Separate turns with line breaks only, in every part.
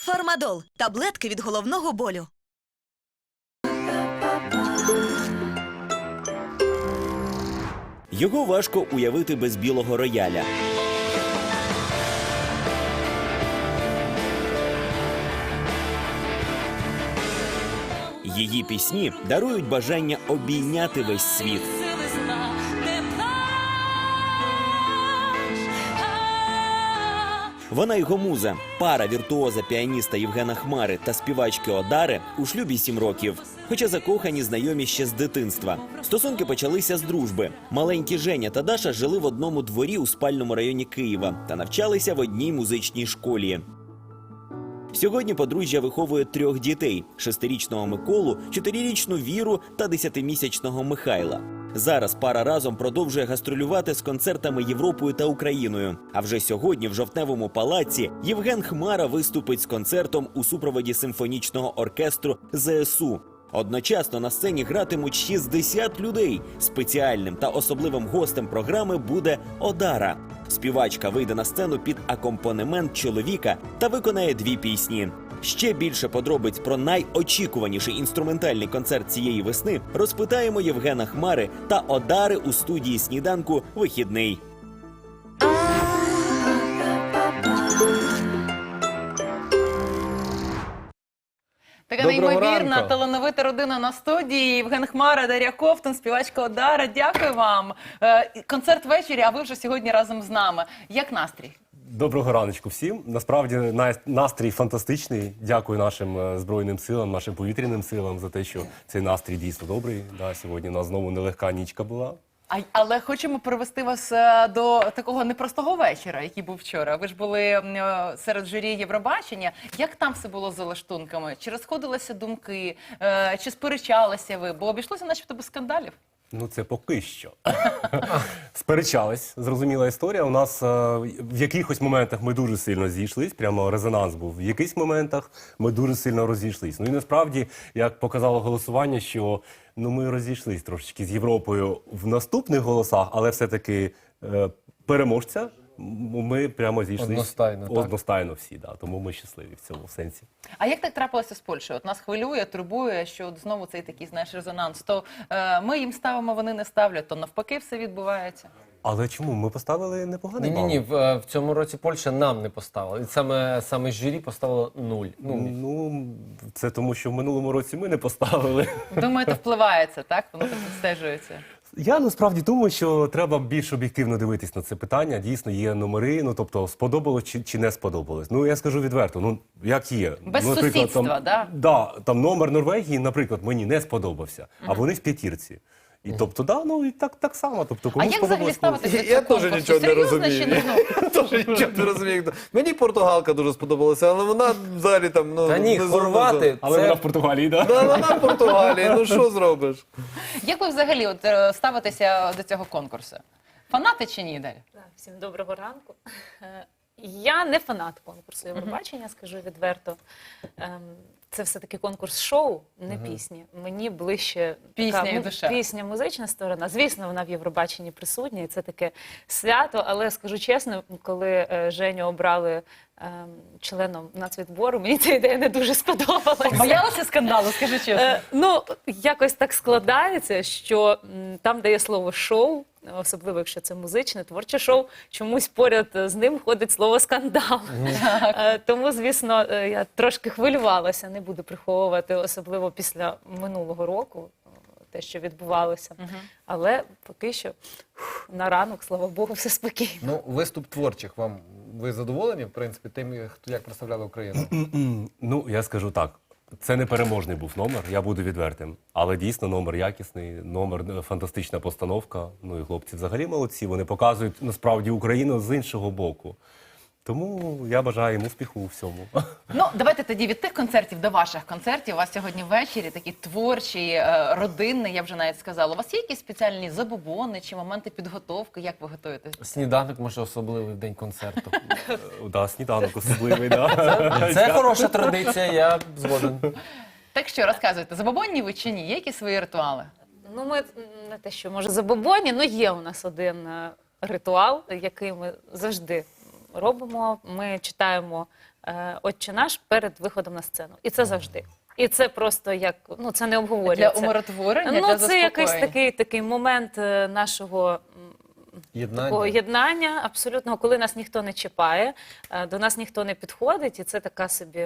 Фармадол – таблетки від головного болю.
Його важко уявити без білого рояля. Її пісні дарують бажання обійняти весь світ. Вона його муза. Пара віртуоза піаніста Євгена Хмари та співачки Одари у шлюбі 7 років. Хоча закохані знайомі ще з дитинства. Стосунки почалися з дружби. Маленькі Женя та Даша жили в одному дворі у спальному районі Києва та навчалися в одній музичній школі. Сьогодні подружжя виховує 3 дітей – 6-річного Миколу, 4-річну Віру та 10-місячного Михайла. Зараз пара разом продовжує гастролювати з концертами Європою та Україною. А вже сьогодні в Жовтневому палаці Євген Хмара виступить з концертом у супроводі симфонічного оркестру ЗСУ. Одночасно на сцені гратимуть 60 людей. Спеціальним та особливим гостем програми буде Одара. Співачка вийде на сцену під акомпанемент чоловіка та виконає 2 пісні. Ще більше подробиць про найочікуваніший інструментальний концерт цієї весни розпитаємо Євгена Хмари та Одари у студії «Сніданку. Вихідний».
Така неймовірна, талановита родина на студії. Євген Хмара, Дар'я Ковтун, співачка Одара. Дякую вам. Концерт ввечері, а ви вже сьогодні разом з нами. Як настрій?
Доброго раночку всім. Насправді настрій фантастичний. Дякую нашим Збройним силам, нашим повітряним силам за те, що цей настрій дійсно добрий. Да, сьогодні у нас знову нелегка нічка була.
Але хочемо привести вас до такого непростого вечора, який був вчора. Ви ж були серед журі Євробачення. Як там все було з залаштунками? Чи розходилися думки? Чи сперечалися ви? Бо обійшлося начебто без скандалів.
Ну, це поки що. Сперечались, зрозуміла історія. У нас в якихось моментах ми дуже сильно зійшлись, прямо резонанс був. В якихось моментах ми дуже сильно розійшлись. Ну і насправді, як показало голосування, що ми розійшлись трошечки з Європою в наступних голосах, але все-таки переможця ми прямо зійшлись одностайно всі. Да, тому ми щасливі в цьому сенсі.
А як так трапилося з Польщею? От нас хвилює, турбує, що от знову цей такий, знаєш, резонанс. То ми їм ставимо, вони не ставлять, то навпаки все відбувається.
Але чому? Ми поставили непоганий бал.
Ні, в цьому році Польща нам не поставила. І саме журі поставило 0.
Ну, це тому, що в минулому році ми не поставили.
Думаєте, впливається, так? Воно так відстежується.
Я насправді думаю, що треба більш об'єктивно дивитись на це питання. Дійсно, є номери, ну, тобто, сподобалось чи не сподобалось. Ну, я скажу відверто, ну, як є.
Без
ну,
сусідства, да?
Да, там номер Норвегії, наприклад, мені не сподобався, а вони в п'ятірці. І тобто, да, ну і так само. Тобто,
А
кому
як взагалі ставитися до
Я
цього
теж
конкурсу?
нічого не
Серйозно
розумію.
чи не?
Теж нічого не розумію. Мені португалка дуже сподобалася, але вона взагалі там... Ну,
Та ні,
не
хорвати,
Але
це...
вона в Португалії, да?
Да, вона в Португалії, ну що зробиш?
Як ви взагалі ставитеся до цього конкурсу? Фанати чи ні, Дар'я?
Всім доброго ранку. Я не фанат конкурсу Євробачення, скажу відверто. Це все-таки конкурс шоу, не пісні. Мені ближче
Пісня і душа.
пісня, музична сторона. Звісно, вона в Євробаченні присутня, і це таке свято. Але скажу чесно, коли Женю обрали членом нацвідбору, мені ця ідея не дуже сподобалася.
Боялися скандалу, скажи чесно?
Ну, якось так складається, що там, де є слово «шоу», особливо, якщо це музичне, творче шоу, чомусь поряд з ним ходить слово «скандал». Тому, звісно, я трошки хвилювалася, не буду приховувати, особливо після минулого року, те, що відбувалося. Але поки що на ранок, слава Богу, все спокійно.
Ну, виступ творчих вам, ви задоволені, в принципі, тим, як представляли Україну?
Ну, я скажу так. Це не переможний був номер, я буду відвертим. Але дійсно номер якісний, номер фантастична постановка. Ну і хлопці взагалі молодці, вони показують насправді Україну з іншого боку. Тому я бажаю їм успіху у всьому.
Ну, давайте тоді від тих концертів до ваших концертів. У вас сьогодні ввечері такі творчі, родинні, я вже навіть сказала. У вас є якісь спеціальні забобони чи моменти підготовки? Як ви готуєтесь?
Сніданок, може, особливий в день концерту.
Да, сніданок особливий, да.
Це хороша традиція, я згоден.
Так що, розказуйте, забобонні ви чи ні? Є якісь свої ритуали?
Ну, ми не те, що, може, забобонні, але є у нас один ритуал, який ми завжди робимо. Ми читаємо «Отче наш» перед виходом на сцену. І це завжди. І це просто як, ну це не обговорюється.
Для умиротворення,
Ну,
для
це якийсь
заспокоєння.
такий момент нашого такого
Єднання.
єднання абсолютного, коли нас ніхто не чіпає, до нас ніхто не підходить, і це така собі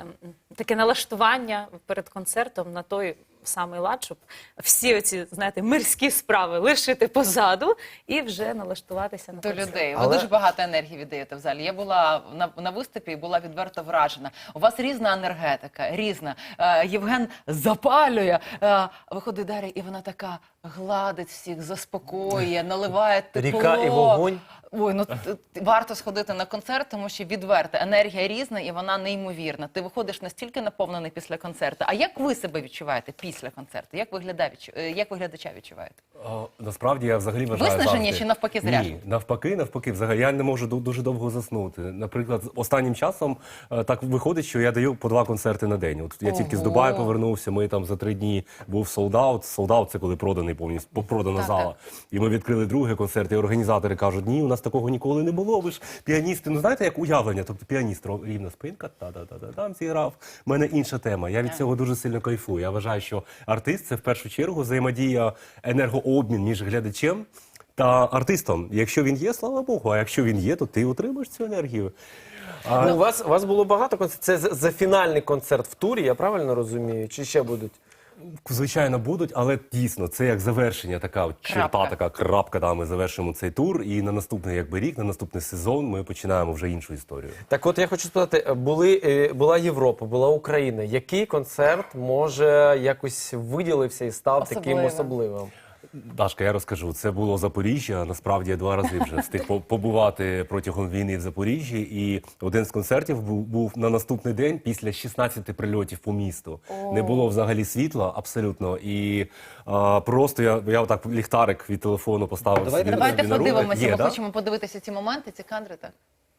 таке налаштування перед концертом на той самий лад, щоб всі оці, знаєте, мирські справи лишити позаду і вже налаштуватися на
До
концерт.
людей. Ви
Але-
дуже багато енергії віддаєте в залі. Я була на виступі і була відверто вражена. У вас різна енергетика, різна. Євген запалює. Виходить Дар'я, і вона така гладить всіх, заспокоює, наливає тепло.
Ріка і вогонь.
Ой, ну варто сходити на концерт, тому що відверто енергія різна і вона неймовірна. Ти виходиш настільки наповнений після концерту. А як ви себе відчуваєте після концерту? Як ви глядача відчуваєте?
Насправді я взагалі вважаю
Виснажені
завжди.
чи навпаки заряджені?
Ні, навпаки, взагалі я не можу дуже довго заснути. Наприклад, останнім часом так виходить, що я даю по 2 концерти на день. От я тільки з
Ого.
Дубаю повернувся, ми там за 3 дні був солдаут. Солдаут – це коли проданий повністю, продана
Так,
зала.
так.
І ми відкрили другий концерт, і організатори кажуть, ні, у нас такого ніколи не було, ви ж піаністи, ну знаєте, як уявлення, тобто піаніст, рівна спинка, там зіграв. У мене інша тема, я від цього дуже сильно кайфую. Я вважаю, що артист – це в першу чергу взаємодія, енергообмін між глядачем та артистом. Якщо він є, слава Богу, а якщо він є, то ти отримаєш цю енергію.
Ну, у вас було багато концертів. Це за фінальний концерт в турі, я правильно розумію? Чи ще будуть?
Звичайно, будуть, але дійсно, це як завершення, така от черта,
Крапка.
така крапка, да, ми завершимо цей тур, і на наступний якби рік, на наступний сезон ми починаємо вже іншу історію.
Так от я хочу спитати, була Європа, була Україна. Який концерт, може, якось виділився і став таким
Особливим.
особливим?
Дашка, я розкажу. Це було Запоріжжя. Насправді я 2 рази вже встиг побувати протягом війни в Запоріжжі. І один з концертів був на наступний день після 16 прильотів по місту. Не було взагалі світла абсолютно. І просто я отак ліхтарик від телефону поставив.
Давайте
собі
Давайте
на руку.
подивимося,
Є,
ми
да?
хочемо подивитися ці моменти, ці кадри, так?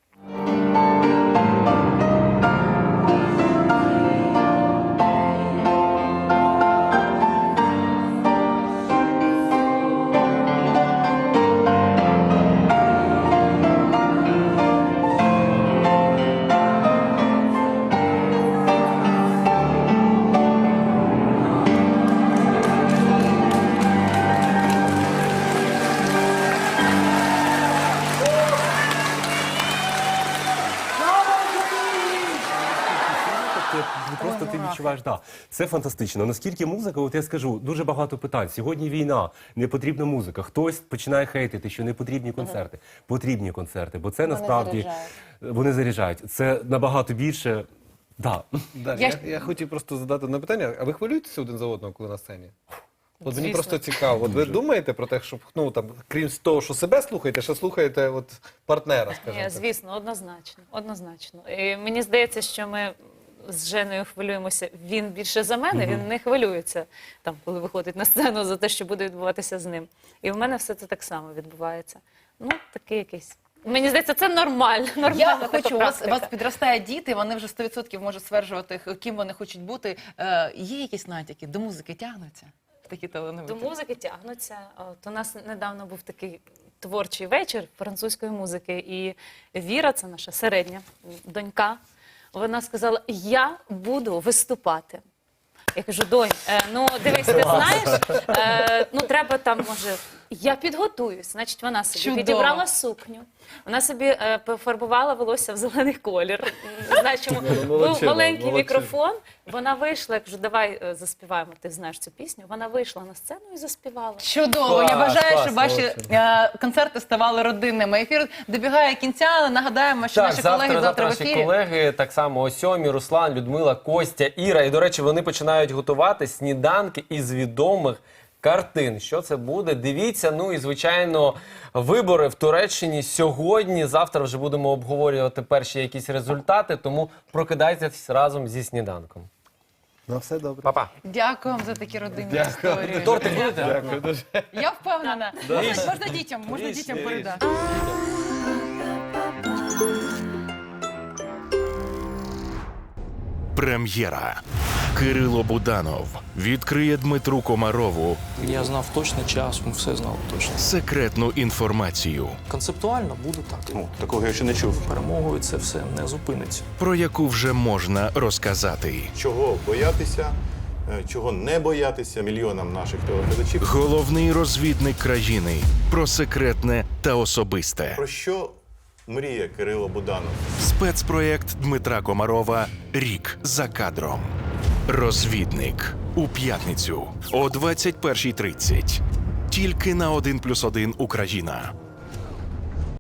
Просто ти відчуваєш, да, це фантастично. Наскільки музика, от я скажу, дуже багато питань. Сьогодні війна, не потрібна музика. Хтось починає хейтити, що не потрібні концерти. Потрібні концерти, бо це насправді вони заряджають. Це набагато більше. Да.
Я хотів просто задати одне питання. А ви хвилюєтеся один за одного, коли на сцені? От мені
Звісно.
просто цікаво. От ви думаєте про те, щоб, ну, там, крім того, що себе слухаєте, ще слухаєте от, партнера, скажімо так?
Звісно, однозначно. І мені здається, що ми з Женою хвилюємося. Він більше за мене, він не хвилюється, там, коли виходить на сцену, за те, що буде відбуватися з ним. І в мене все це так само відбувається. Ну, такий якийсь. Мені здається, це нормально.
Я
Нормальна така
хочу, у вас
практика.
підростають діти, вони вже 100% можуть стверджувати, ким вони хочуть бути. Є якісь натяки, до музики тягнуться? Такі
До
талановиті?
музики тягнуться. От у нас недавно був такий творчий вечір французької музики, і Віра, це наша середня донька, вона сказала, я буду виступати. Я кажу, донь, ну дивись, ти знаєш, ну треба там, може, я підготуюсь. Значить, вона собі
Чудово.
підібрала сукню, вона собі пофарбувала волосся в зелений колір. Знаєш, чому був
Молодчина,
маленький
молодчина.
мікрофон, вона вийшла, я кажу, давай заспіваємо, ти знаєш цю пісню. Вона вийшла на сцену і заспівала.
Чудово! Я
Клас,
бажаю,
клас,
щоб ваші концерти ставали родинними. Ефір добігає кінця, але нагадаємо, що наші колеги завтра в
наші
ефірі.
колеги, так само о 7-й, Руслан, Людмила, Костя, Іра. І, до речі, вони починають готувати сніданки із відомих картин. Що це буде? Дивіться. Ну і, звичайно, вибори в Туреччині сьогодні. Завтра вже будемо обговорювати перші якісь результати, тому прокидайтесь разом зі сніданком.
На все добре.
Па-па.
Дякую вам за такі родинні історії.
Тортик будете?
Дякую дуже.
Я впевнена. Можна дітям передати.
Прем'єра. Кирило Буданов відкриє Дмитру Комарову
Я знав точно час, ми все знали точно.
секретну інформацію,
Концептуально буде так.
Такого я ще не чув.
Перемогою це все не зупиниться.
про яку вже можна розказати.
Чого боятися, чого не боятися мільйонам наших телеглядачів.
Головний розвідник країни про секретне та особисте.
Про що мріє Кирило Буданов?
Спецпроєкт Дмитра Комарова «Рік за кадром». Розвідник у п'ятницю о 21:30. Тільки на 1+1 Україна.